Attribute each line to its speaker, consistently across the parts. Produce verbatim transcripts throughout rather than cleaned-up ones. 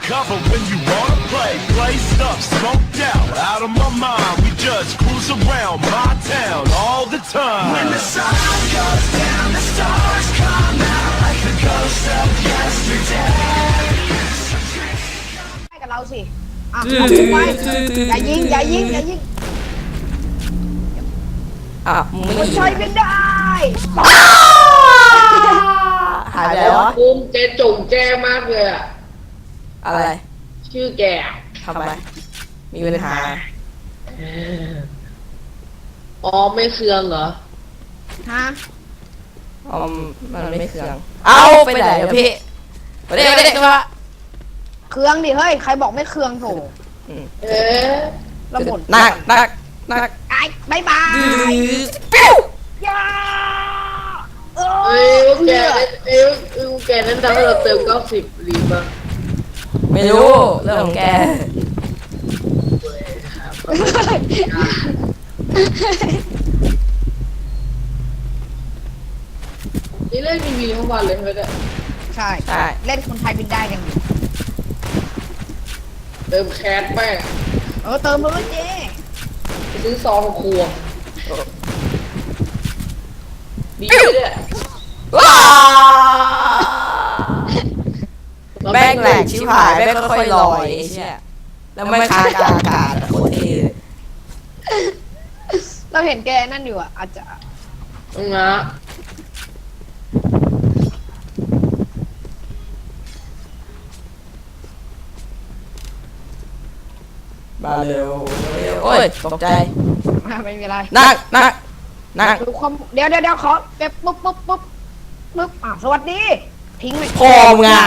Speaker 1: cover when you wanna play. Play stuff, smoked out, out of my mind. We just cruise around my town all the time. When the sun goes down, the stars come out like the ghost of yesterday.
Speaker 2: ให้กับเราสิอ่ะเอาไปอย่ายิงอย่ายิงอย่ายิง
Speaker 3: อ่ะมึงไม่
Speaker 2: มัน
Speaker 3: ยิง
Speaker 2: ใช้ไม่ได้
Speaker 3: หายไปแล้ววะ
Speaker 4: ภูมิแกจงแจ้มากเลยอะ
Speaker 3: อะไร
Speaker 4: ชื่อแก
Speaker 3: ทำไมมีปัญหา
Speaker 4: อ๋อไม่เคืองเหรอ
Speaker 2: ฮะ
Speaker 3: อ๋อมันไม่เคืองเอาไปไหนเดี๋ยวพี่ไปเด็กไปเด็กมา
Speaker 2: เครื่องดิเฮ้ยใครบอกไม่เครื่องโถ
Speaker 4: เอ๊ะ
Speaker 2: ระบ่น
Speaker 3: นักนักนัก
Speaker 2: ไอ้บายบาย
Speaker 3: ปิ้ว
Speaker 2: ย่าเอ
Speaker 4: เอ้ย
Speaker 2: อ
Speaker 4: แกนั้นเอ้ยเอ้ยแกนั้นทำให้เราเติมเก้าสิบรีบอ่ะ
Speaker 3: ไม่รู้เรื่องของแก
Speaker 4: นี่เล่นมีวีทั้งวันเลยไม่ได้
Speaker 2: ใช่
Speaker 3: ใช่
Speaker 2: เล่นคนไทยบินได้ยังอยู่
Speaker 4: เติมแคสแม่ง
Speaker 2: เออเติมเลยเจ๊
Speaker 4: ไปซื้อซองครัวดีเลย
Speaker 3: ว้าแม่งแหลกชิบหายแม่งค่อยๆลอยไอ้เชี่ยแล้วไม่ค้างกลางอากาศโคตรเท่
Speaker 2: เราเห็นแกนั่นอยู่อ่ะอาจจะ
Speaker 4: ตรงนะ
Speaker 3: มาเร็วเร็วโอ้ยตกใจ
Speaker 2: ไม่มีอะไร
Speaker 3: นักนักนัก
Speaker 2: ดูความเดี๋ยวเดี๋ยวเดี๋ยวขอเก็บปุ๊บปุ๊บปุ๊บปุ๊บอ่ะสวัสดีทิ้งไป
Speaker 3: พอมึงอ่ะ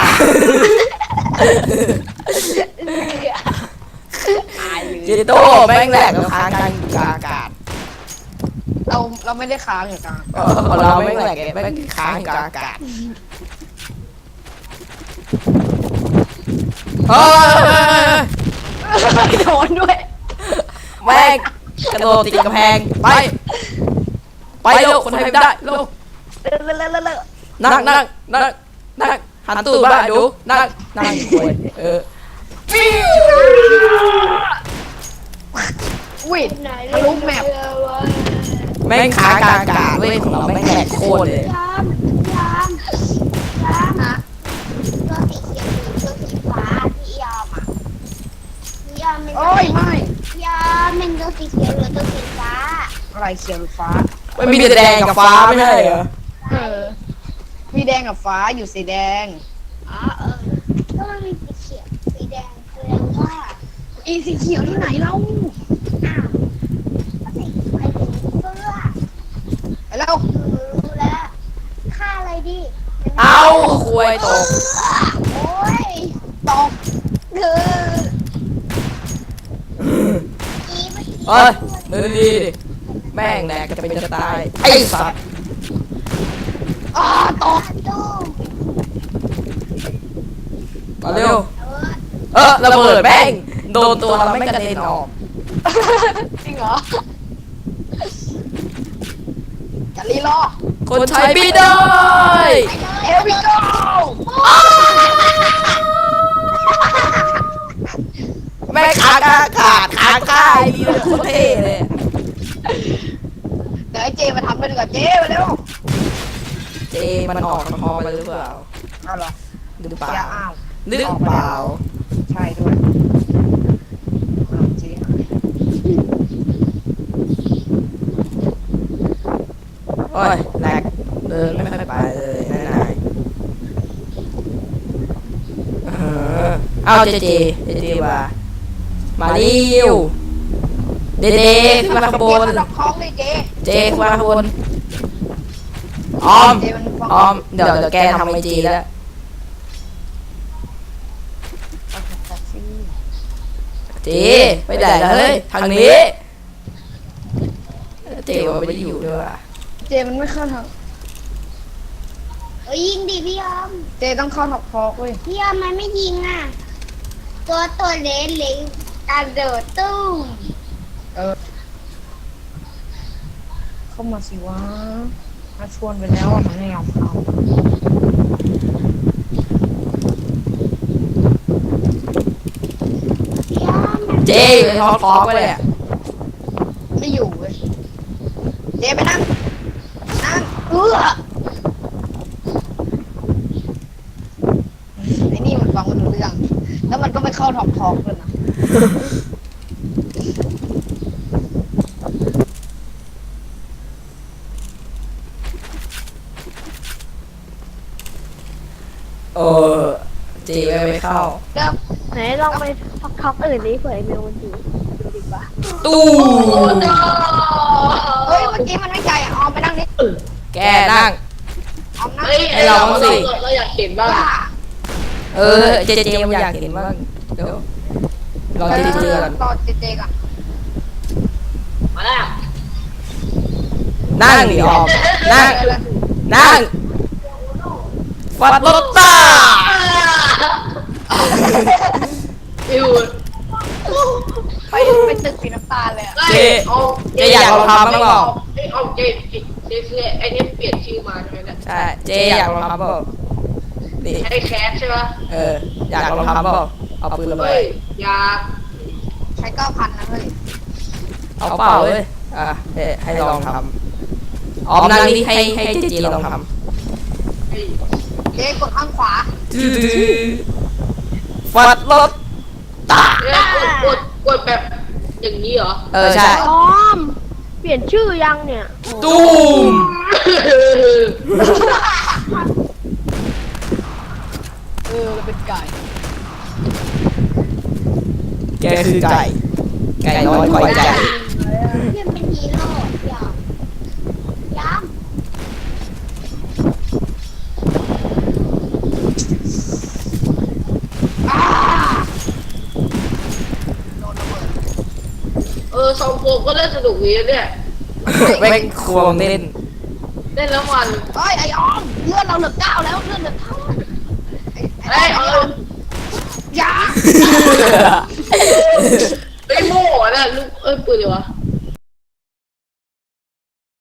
Speaker 2: ตายเลย
Speaker 3: จิโต้แม่งแหลกแล้วค้างกลางอากาศ
Speaker 2: เราเราไม่ได้ค้างอยู่กลาง
Speaker 3: เออเราแม่งแหลกแม่งค้างกลางอากาศเฮ้ย
Speaker 2: โดนด้วย
Speaker 3: แม่งกระโดดติดกำแพงไปไปเร็วคนไทยไม่ได้เร็ว
Speaker 2: เลอะเลอะเลอะเลอะ
Speaker 3: นั่งนั่งนั่งนั่งหันตูดบ้าดูนั่งนั่งคุยเออ
Speaker 2: อุ้ยทะลุแมป
Speaker 3: แม่งค้างกลางอากาศเว้ยของเราแม่งแหลกโคตรเลย
Speaker 5: ยามยามยามอะตัวสีเขียวหรือตัวสีฟ้าพี่ยอมอะพี่ยอมเป็น
Speaker 2: โอ้ยไม่
Speaker 5: พี่ยอมเป็นตัวสีเขียวหรือตัวสีฟ้า
Speaker 2: อะไรเขียวหรือฟ้า
Speaker 3: มันมีแต่แดงกับฟ้าไม่ใช่เหรอ
Speaker 2: เออมีแดงกับฟ้าอยู่สีแดง
Speaker 5: อ๋อเออก็มันมีสีเขียวสีแดงแสดงว่า
Speaker 2: อีสีเขียวที่ไหนเล่า
Speaker 5: อ้าวก็สีไปถึงเสื้อ
Speaker 2: ไปแล้ว
Speaker 5: หนูรู้แล้วค่าอะไรดิ
Speaker 3: เอาคุยตก
Speaker 5: โอ้ย
Speaker 2: ตอก
Speaker 5: คืออีไม่
Speaker 3: เอ้ยเดินดีดิแม่งแหลกจะเป็นจะตายไอ้สัตว์
Speaker 2: อ่าตอก
Speaker 5: ตู้
Speaker 3: มาเร็ว
Speaker 5: เออ
Speaker 3: เออระเบิดแม่งโดนตัวเราไม่งกระเด็นออก
Speaker 2: จริงเหรอจะรีรอ
Speaker 3: คนไทยไม่ได้
Speaker 2: เอวิโก
Speaker 3: แม่งค้างกลางอากาศค้างค่ายนี่เลยโคตรเท่เลย
Speaker 2: เดี๋ยวไอ้เจมาทำไปดีกว่าเจมาเร็ว
Speaker 3: เจมันออกคอไปหรือเปล่า
Speaker 2: เอาเหรอ
Speaker 3: หรือเปล่า
Speaker 2: อย่าอ้าว
Speaker 3: หรือเปล่า
Speaker 2: ใช่ด้วยอ้าวเจ
Speaker 3: โอ้ยแหลกเดินไม่ค่อยไปเลยนายนายเออเอาเจเจเจเจว่ามาเร็วเดเดขึ้นมาข้างบน
Speaker 2: เจมาดอกคล้องเลยเจ
Speaker 3: เจขึ้นมาข้างบนออม
Speaker 2: เจมันฟ้อง
Speaker 3: ออมเดี๋ยวเดี๋ยวแกทำไอจีแล้วเจไปไหนล่ะเฮ้ยทางนี้เจว่าไม่ได้อยู่ด้วยว่ะ
Speaker 2: เจมันไม่เข้าทาง
Speaker 5: เอ้ยยิงดิพี่ยอม
Speaker 2: เจต้องเข้าท็อปพอกเว้ย
Speaker 5: พี่ยอมมันไม่ยิงอ่ะ ตัวตัวเล็กเล็กกระโดดตุ้ม
Speaker 2: เข้ามาสิวะมาชวนไปแล้วอะมันไม่ยอมเข้า
Speaker 3: อยู่ในท้องท้องไปเลยอะ
Speaker 2: ไม่อยู่เว้ยเจไปนั่งนั่งเออไอ้นี่มันฟังมันรู้เรื่องแล้วมันก็ไม่เข้าท้องท้องเลยนะ
Speaker 3: เออเจไม่ไม่เข้า
Speaker 2: เริ่ม
Speaker 5: ไหนลองไปท็อกอื่นดิเผื่อไอเมลมันอยู่ดูดีกว่า
Speaker 3: ตู้
Speaker 2: เฮ้ยเมื่อกี้มันไม่ใจอ่ะออมไปนั่งนิด
Speaker 3: แกนั่ง
Speaker 2: ออมนั่ง
Speaker 4: เฮ้ย
Speaker 3: ให้เราบ้างสิ
Speaker 4: เราอยากเห็นบ้าง
Speaker 2: ว่า
Speaker 3: เออเจเจมันอยากเห็นบ้างเดี๋ยวรอเจเจก่อน
Speaker 2: รอเจเจก่อน
Speaker 4: มาแล้ว
Speaker 3: นั่งดิออมนั่งนั่งฟัดโลต้า
Speaker 4: อิว
Speaker 2: ไปไปตึกสีน้ำตาลเลยอ่ะ
Speaker 3: เจเจอยากลองทำบ้างเปล่า
Speaker 4: ไอ้เอาเจเจคือไอ้นี่เปลี่ยนชื่อมาใช่ไหมเนี่ย
Speaker 3: ใช่เจอยากลองทำเปล่านี่
Speaker 4: ไอ้แคสใช่ปะ
Speaker 3: เอออยากลองทำเปล่าเอาปืนระเบิ
Speaker 4: เฮ้
Speaker 3: ด
Speaker 4: ยอยาก
Speaker 2: ใช้เก้าพันนะเฮ้ย
Speaker 3: เอาเปล่าเลยอ่ะเอ๊ะให้ลองทำออมนั่งนี่ให้ให้เจเจลองท
Speaker 4: เฮ้ย
Speaker 2: เจกดข้างขวา
Speaker 3: ำฟัดโลต้า
Speaker 4: เอ้ยกดกดกดแบบอย่างนี้เหรอ
Speaker 3: เออใช่
Speaker 5: ออม เปลี่ยนชื่อยังเนี่ย
Speaker 3: ตูม
Speaker 2: เออเราเป็นไก่
Speaker 3: แกคือไก่ไก่น้อยคอยใจ
Speaker 5: เพื่อนเป็นฮีโร่ยอมยอม
Speaker 2: อ้า
Speaker 4: เออสองโฟก็เล่นสนุกดีนะเนี่ย
Speaker 3: แม่งควงเล่น
Speaker 4: เล่นแล้วมัน
Speaker 2: เฮ้ยไอออมเลือดเราเหลือเก้าแล้วเลือดเหลือเท่าไอ้
Speaker 4: เฮ้ยเอา
Speaker 2: ยา
Speaker 4: ไอ้โม่น่ะลูกเอ้ยปืนเลยวะ